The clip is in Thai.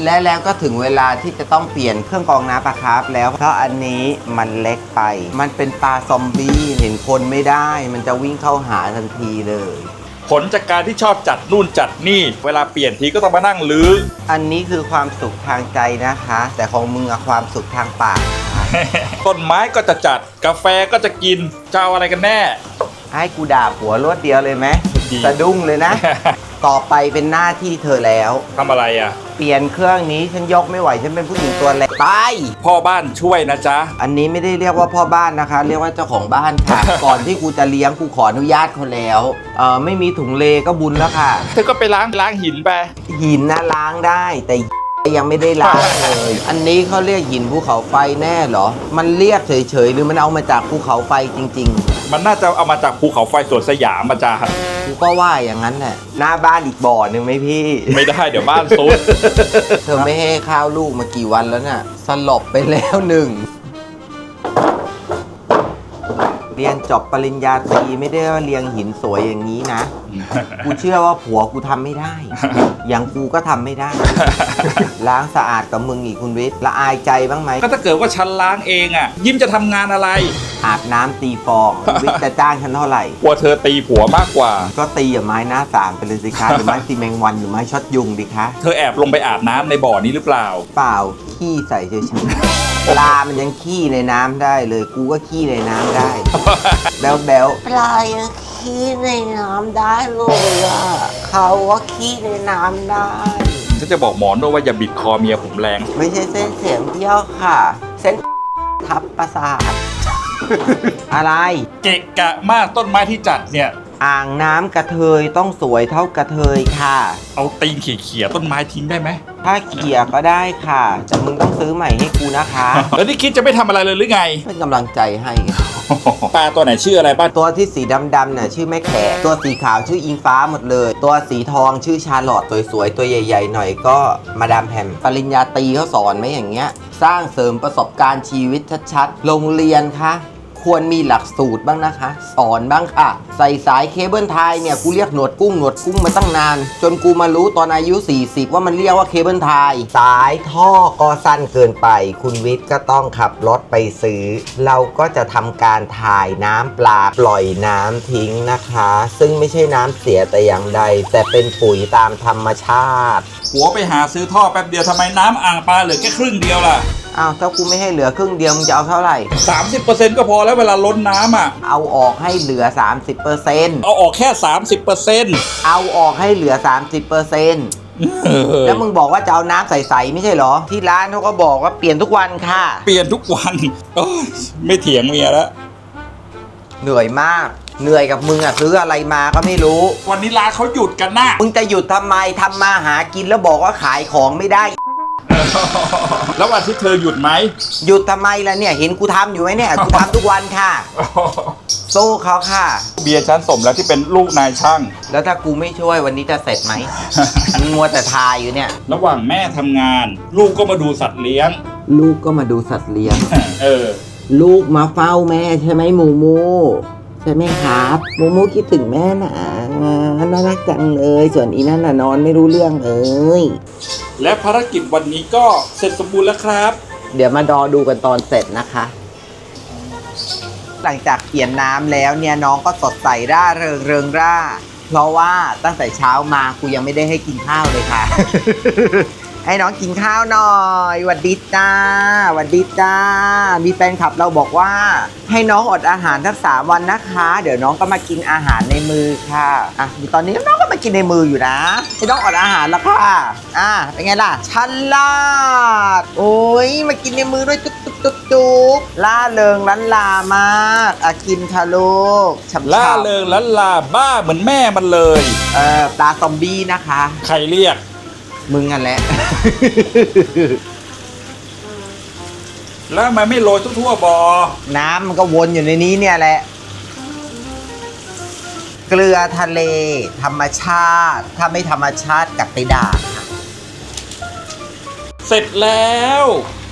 แล้วก็ถึงเวลาที่จะต้องเปลี่ยนเครื่องกรองน้ำปลาคาร์ฟแล้วเพราะอันนี้มันเล็กไปมันเป็นปลาซอมบี้เห็นคนไม่ได้มันจะวิ่งเข้าหาทันทีเลยผลจากการที่ชอบจัดนู่นจัดนี่เวลาเปลี่ยนทีก็ต้องมานั่งลื้ออันนี้คือความสุขทางใจนะคะแต่ของมึงอะความสุขทางปากต้นไม้ก็จะจัดกาแฟก็จะกินจะเอาอะไรกันแน่ให้กูด่าผัวรวดเดียวเลยไหมสะดุ้งเลยนะ ต่อไปเป็นหน้าที่เธอแล้วทำอะไรอ่ะเปลี่ยนเครื่องนี้ฉันยกไม่ไหวฉันเป็นผู้หญิงตัวเล็กไปพ่อบ้านช่วยนะจ๊ะอันนี้ไม่ได้เรียกว่าพ่อบ้านนะคะเรียกว่าเจ้าของบ้านค่ะ ก่อนที่กูจะเลี้ยงกูขออนุญาตเขาแล้วไม่มีถุงเลก็บุญแล้วค่ะเธอก็ไปล้างหินไปหินนะล้างได้แต่ยังไม่ได้ล้างเลยอันนี้เขาเรียกหินภูเขาไฟแน่เหรอมันเรียกเฉยๆหรือมันเอามาจากภูเขาไฟจริงๆมันน่าจะเอามาจากภูเขาไฟสวนสยามอาจารย์กูก็ว่าอย่างนั้นแหละหน้าบ้านอีกบ่อหนึ่งไหมพี่ไม่ได้เดี๋ยวบ้านซุดเธอไม่ให้ข้าวลูกมากี่วันแล้วน่ะสลบไปแล้วหนึ่งเรียนจบปริญญาตรีไม่ได้ว่าเรียงหินสวยอย่างนี้นะ กูเชื่อว่าผัวกูทำไม่ได้ อย่างกูก็ทำไม่ได้ ล้างสะอาดกับมึงอีกคุณวิทย์ละอายใจบ้างไหมก็ถ้าเกิดว่าฉันล้างเองอ่ะยิ้มจะทำงานอะไรอาบน้ำตีฟองคุณวิทย์จะจ้างฉันเท่าไหร่กลัวเธอตีผัวมากกว่าก็ตีอย่าไม้หน้าสามไปเลยสิคะหรือไม้ตีแมงวันหรือไม้ช็อตยุงดิคะเธอแอบลงไปอาบน้ำในบ่อนี้หรือเปล่าเปล่าขี้ใส่เฉยๆปลามันยังขี้ในน้ำได้เลยกูก็ขี้ในน้ำได้แบ๊วปลายังขี้ในน้ำได้เลยอ่ะเขาก็ขี้ในน้ำได้ฉันจะบอกหมอนว่าอย่าบิดคอเมียผมแรงไม่ใช่เส้นเสียงเที่ยวค่ะเส้นทับประสาท อะไรเกะกะมากต้นไม้ที่จัดเนี่ยอ่างน้ำกระเทยต้องสวยเท่ากระเทยค่ะเอาตีนเขี่ยต้นไม้ทิ้งได้ไหมถ้าเขี่ยก็ได้ค่ะแต่มึงต้องซื้อใหม่ให้กูนะคะแล้วนี่คิดจะไม่ทำอะไรเลยหรือไงเป็นกำลังใจให้ปลาตัวไหนชื่ออะไรบ้างตัวที่สีดำๆเนี่ยชื่อแม่แขกตัวสีขาวชื่ออิงฟ้าหมดเลยตัวสีทองชื่อชาร์ลอตสวยๆตัวใหญ่ๆหน่อยก็มาดามแพมปริญญาตรีเขาสอนไหมอย่างเงี้ยสร้างเสริมประสบการณ์ชีวิตชัดๆโรงเรียนคะควรมีหลักสูตรบ้างนะคะสอนบ้างค่ะใส่สายเคเบิลไทยเนี่ยกูเรียกหนวดกุ้งมาตั้งนานจนกูมารู้ตอนอายุ40ว่ามันเรียกว่าเคเบิลไทยสายท่อก็สั้นเกินไปคุณวิทย์ก็ต้องขับรถไปซื้อเราก็จะทำการถ่ายน้ำปลาปล่อยน้ำทิ้งนะคะซึ่งไม่ใช่น้ำเสียแต่อย่างใดแต่เป็นปุ๋ยตามธรรมชาติหัวไปหาซื้อท่อแป๊บเดียวทำไมน้ำอ่างปลาเหลือแค่ครึ่งเดียวล่ะอ้าวถ้ากูไม่ให้เหลือครึ่งเดียวมึงจะเอาเท่าไหร่ 30% ก็พอแล้วเวลาล้นน้ำอ่ะเอาออกให้เหลือ 30% เอาออกแค่ 30% เอาออกให้เหลือ 30% แล้วมึงบอกว่าจะเอาน้ำใสๆไม่ใช่เหรอที่ร้านเขาก็บอกว่าเปลี่ยนทุกวันค่ะเปลี่ยนทุกวันไม่เถียงเมียแล้วเหนื่อยมากเหนื่อยกับมึงอะซื้ออะไรมาก็ไม่รู้วันนี้ร้านเขาหยุดกันนะมึงจะหยุดทำไมทำมาหากินแล้วบอกว่าขายของไม่ได้แล้ววันที่เธอหยุดไหมหยุดทำไมล่ะเนี่ยเห็นกูทำอยู่ไหมเนี่ยกูทำทุกวันค่ะสู้เขาค่ะเบียร์ชั้นสมแล้วที่เป็นลูกนายช่างแล้วถ้ากูไม่ช่วยวันนี้จะเสร็จไหมมึงมัวแต่ทายอยู่เนี่ยระหว่างแม่ทำงานลูกก็มาดูสัตว์เลี้ยงลูกก็มาดูสัตว์เลี้ยงลูกมาเฝ้าแม่ใช่ไหมหมูมูใช่ไหมครับหมูมูคิดถึงแม่นะน่ารักจังเลยส่วนอีนั่นน่ะนอนไม่รู้เรื่องเลยและภารกิจวันนี้ก็เสร็จสมบูรณ์แล้วครับเดี๋ยวมาดูกันตอนเสร็จนะคะหลังจากเปลี่ยนน้ำแล้วเนี่ยน้องก็สดใสร่าเริงร่าเพราะว่าตั้งแต่เช้ามากูยังไม่ได้ให้กินข้าวเลยค่ะ ให้น้องกินข้าวหน่อยหวัดดีจ้าหวัดดีจ้ามีแฟนคลับเราบอกว่าให้น้องอดอาหารทั้ง3 วันนะคะเดี๋ยวน้องก็มากินอาหารในมือค่ะตอนนี้น้องก็มากินในมืออยู่นะให้น้องอดอาหารแล้วค่ะเป็นไงล่ะฉลาดโอ้ยมากินในมือด้วยจุ๊บล่าเริงล้านลามากกินค่ะลูกล่าเริงล้านลาบ้าเหมือนแม่มันเลยปลาซอมบี้นะคะใครเรียกมึงกันแหละแล้วมันไม่โรยทั่วบ่อน้ำมันก็วนอยู่ในนี้เนี่ยแหละเกลือทะเลธรรมชาติถ้าไม่ธรรมชาติกลับไปด่าค่ะเสร็จแล้ว